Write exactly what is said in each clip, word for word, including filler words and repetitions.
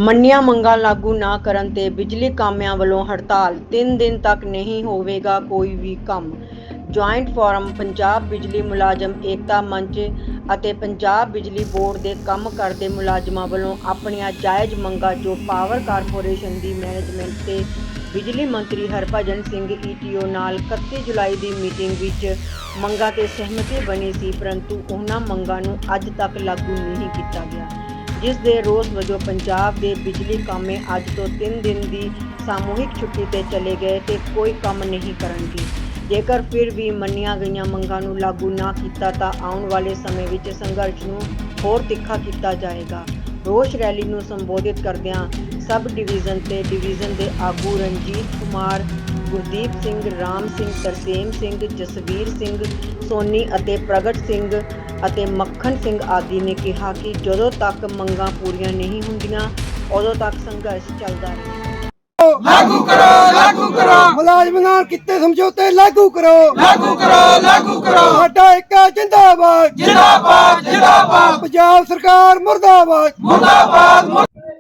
ਮੰਨੀਆਂ ਮੰਗਾਂ ਲਾਗੂ ਨਾ ਕਰਨ ਤੇ ਬਿਜਲੀ ਕਾਮਿਆਂ ਵੱਲੋਂ ਹੜਤਾਲ। ਤਿੰਨ ਦਿਨ ਤੱਕ ਨਹੀਂ ਹੋਵੇਗਾ ਕੋਈ ਵੀ ਕੰਮ। ਜੁਆਇੰਟ ਫੋਰਮ ਪੰਜਾਬ ਬਿਜਲੀ ਮੁਲਾਜ਼ਮ ਏਕਤਾ ਮੰਚ ਅਤੇ ਪੰਜਾਬ ਬਿਜਲੀ ਬੋਰਡ ਦੇ ਕੰਮ ਕਰਦੇ ਮੁਲਾਜ਼ਮਾਂ ਵੱਲੋਂ ਆਪਣੀਆਂ ਜਾਇਜ਼ ਮੰਗਾਂ ਜੋ ਪਾਵਰ ਕਾਰਪੋਰੇਸ਼ਨ ਦੀ ਮੈਨੇਜਮੈਂਟ ਤੇ ਬਿਜਲੀ ਮੰਤਰੀ Harbhajan Singh E T O ਨਾਲ ਇਕੱਤੀ ਜੁਲਾਈ ਦੀ ਮੀਟਿੰਗ ਵਿੱਚ ਮੰਗਾਂ ਤੇ ਸਹਿਮਤੀ ਬਣੀ ਸੀ, ਪਰੰਤੂ ਉਹਨਾਂ ਮੰਗਾਂ ਨੂੰ ਅੱਜ ਤੱਕ ਲਾਗੂ ਨਹੀਂ ਕੀਤਾ ਗਿਆ, ਜਿਸ ਦੇ ਰੋਸ ਵਜੋਂ ਪੰਜਾਬ ਦੇ ਬਿਜਲੀ ਕਾਮੇ ਅੱਜ ਤੋਂ ਤਿੰਨ ਦਿਨ ਦੀ ਸਾਮੂਹਿਕ ਛੁੱਟੀ ਤੇ ਚਲੇ ਗਏ ਤੇ ਕੋਈ ਕੰਮ ਨਹੀਂ ਕਰਨਗੇ। ਜੇਕਰ ਫਿਰ ਵੀ ਮੰਨੀਆਂ ਗਈਆਂ ਮੰਗਾਂ ਨੂੰ ਲਾਗੂ ਨਾ ਕੀਤਾ ਤਾਂ ਆਉਣ ਵਾਲੇ ਸਮੇਂ ਵਿੱਚ ਸੰਘਰਸ਼ ਨੂੰ ਹੋਰ ਤਿੱਖਾ ਕੀਤਾ ਜਾਏਗਾ। ਰੋਸ ਰੈਲੀ ਨੂੰ ਸੰਬੋਧਿਤ ਕਰਦਿਆਂ ਸਬ ਡਿਵੀਜ਼ਨ ਤੇ ਡਿਵੀਜ਼ਨ ਦੇ ਆਗੂ ਰਣਜੀਤ ਕੁਮਾਰ, ਗੁਰਦੀਪ ਸਿੰਘ, ਰਾਮ ਸਿੰਘ, ਤਰਸੇਮ ਸਿੰਘ, ਜਸਵੀਰ ਸਿੰਘ ਸੋਨੀ ਅਤੇ ਪ੍ਰਗਟ ਸਿੰਘ ਅਤੇ ਮੱਖਣ ਸਿੰਘ ਆਦਿ ਨੇ ਕਿਹਾ ਕਿ ਜਦੋਂ ਤੱਕ ਮੰਗਾਂ ਪੂਰੀਆਂ ਨਹੀਂ ਹੁੰਦੀਆਂ ਉਦੋਂ ਤੱਕ ਸੰਘਰਸ਼ ਚੱਲਦਾ ਰਹੇ। लागू करो लागू करो मुलाजम नाल कीते समझौते लागू करो लागू करो लागू करो साडा एक जिंदाबाद जिंदाबाद जिंदाबाद पंजाब सरकार मुर्दाबाद मुर्दाबाद।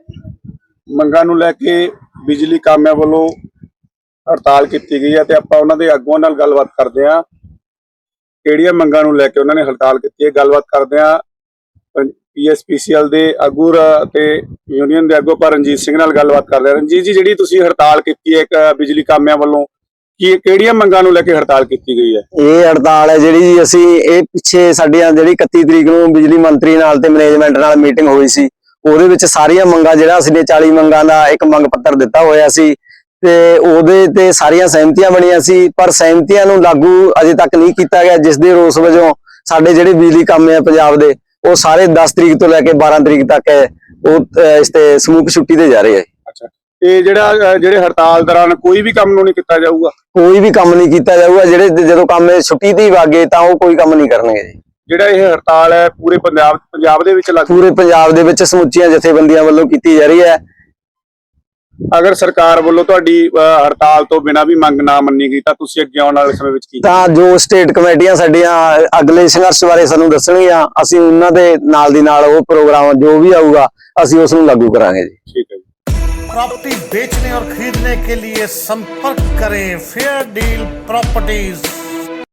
ਮੰਗਾਂ ਨੂੰ ਲੈ ਕੇ ਬਿਜਲੀ ਕਾਮਿਆਂ ਵੱਲੋਂ ਹੜਤਾਲ ਕੀਤੀ ਗਈ ਹੈ ਤੇ ਆਪਾਂ ਉਹਨਾਂ ਦੇ ਆਗੂਆਂ ਨਾਲ ਗੱਲਬਾਤ ਕਰਦੇ ਹਾਂ। ਕਿਹੜੀਆਂ ਮੰਗਾਂ ਨੂੰ ਲੈ ਕੇ ਉਹਨਾਂ ਨੇ ਹੜਤਾਲ ਕੀਤੀ ਹੈ, ਗੱਲਬਾਤ ਕਰਦੇ ਹਾਂ। ਪੀ ਐਸ ਪੀ ਸੀ ਐਲ ਦੇ ਆਗੂ ਤੇ ਯੂਨੀਅਨ ਦੇ ਆਗੂ ਪਰ ਰਣਜੀਤ ਸਿੰਘ ਨਾਲ ਗੱਲਬਾਤ ਕਰ ਰਹੇ। ਰਣਜੀਤ ਜੀ, ਜਿਹੜੀ ਤੁਸੀਂ ਹੜਤਾਲ ਕੀਤੀ ਹੈ ਇੱਕ ਬਿਜਲੀ ਕਾਮਿਆਂ ਵੱਲੋਂ, ਕੀ ਕਿਹੜੀਆਂ ਮੰਗਾਂ ਨੂੰ ਲੈ ਕੇ ਹੜਤਾਲ ਕੀਤੀ ਗਈ ਹੈ? ਇਹ ਹੜਤਾਲ ਹੈ ਜਿਹੜੀ ਅਸੀਂ ਇਹ ਪਿੱਛੇ ਸਾਡੀਆਂ ਜਿਹੜੀ ਇਕੱਤੀ ਤਰੀਕ ਨੂੰ ਬਿਜਲੀ ਮੰਤਰੀ ਨਾਲ ਤੇ ਮੈਨੇਜਮੈਂਟ ਨਾਲ ਮੀਟਿੰਗ ਹੋਈ ਸੀ, ਉਹਦੇ ਵਿੱਚ ਸਾਰੀਆਂ ਮੰਗਾਂ ਜਿਹੜਾ ਅਸੀਂ ਨੇ ਚਾਲੀ ਮੰਗਾਂ ਦਾ ਇੱਕ ਮੰਗ ਪੱਤਰ ਦਿੱਤਾ ਹੋਇਆ ਸੀ ਤੇ ਉਹਦੇ ਤੇ ਸਾਰੀਆਂ ਸਹਿਮਤੀਆਂ ਬਣੀਆਂ ਸੀ, ਪਰ ਸਹਿਮਤੀਆਂ ਨੂੰ ਲਾਗੂ ਅਜੇ ਤੱਕ ਨਹੀਂ ਕੀਤਾ ਗਿਆ, ਜਿਸ ਦੇ ਰੋਸ ਵਜੋਂ ਸਾਡੇ ਜਿਹੜੇ ਬਿਜਲੀ ਕਾਮੇ ਆ ਪੰਜਾਬ ਦੇ ਉਹ ਸਾਰੇ ਦਸ ਤਰੀਕ ਤੋਂ ਲੈ ਕੇ ਬਾਰਾਂ ਤਰੀਕ ਤੱਕ ਉਹ ਇਸ ਤੇ ਸਮੂਹ ਛੁੱਟੀ ਤੇ ਜਾ ਰਹੇ ਹੈ। ਅੱਛਾ, ਤੇ ਜਿਹੜਾ ਜਿਹੜੇ ਹੜਤਾਲ ਦੌਰਾਨ ਕੋਈ ਵੀ ਕੰਮ ਨੂੰ ਨਹੀਂ ਕੀਤਾ ਜਾਊਗਾ? ਕੋਈ ਵੀ ਕੰਮ ਨਹੀਂ ਕੀਤਾ ਜਾਊਗਾ। ਜਿਹੜੇ ਜਦੋਂ ਕੰਮ ਛੁੱਟੀ ਤੇ ਵਾਗੇ ਤਾਂ ਉਹ ਕੋਈ ਕੰਮ ਨਹੀਂ ਕਰਨਗੇ ਜੀ। ਜਿਹੜਾ ਇਹ ਹੜਤਾਲ ਹੈ ਪੂਰੇ ਪੰਜਾਬ ਪੰਜਾਬ ਦੇ ਵਿੱਚ ਲਾਗੂ? ਪੂਰੇ ਪੰਜਾਬ ਦੇ ਵਿੱਚ ਸਮੁੱਚੀਆਂ ਜਥੇਬੰਦੀਆਂ ਵੱਲੋਂ ਕੀਤੀ ਜਾ ਰਹੀ ਹੈ। ਅਗਰ ਸਰਕਾਰ ਵੱਲੋਂ ਤੁਹਾਡੀ ਹੜਤਾਲ ਤੋਂ ਬਿਨਾਂ ਵੀ ਮੰਗ ਨਾ ਮੰਨੀ ਗਈ ਤਾਂ ਤੁਸੀਂ ਅੱਗੇ ਆਉਣ ਵਾਲੇ ਸਮੇਂ ਵਿੱਚ ਕੀ? ਤਾਂ ਜੋ ਸਟੇਟ ਕਮੇਟੀਆਂ ਸਾਡੀਆਂ ਅਗਲੇ ਸੰਘਰਸ਼ ਬਾਰੇ ਸਾਨੂੰ ਦੱਸਣਗੀਆਂ, ਅਸੀਂ ਉਹਨਾਂ ਦੇ ਨਾਲ ਦੀ ਨਾਲ ਉਹ ਪ੍ਰੋਗਰਾਮ ਜੋ ਵੀ ਆਊਗਾ ਅਸੀਂ ਉਸ ਨੂੰ ਲਾਗੂ ਕਰਾਂਗੇ ਜੀ। ਠੀਕ ਹੈ ਜੀ। प्रॉपर्टी बेचने और खरीदने के लिए संपर्क करें फेयर डील प्रॉपर्टीज।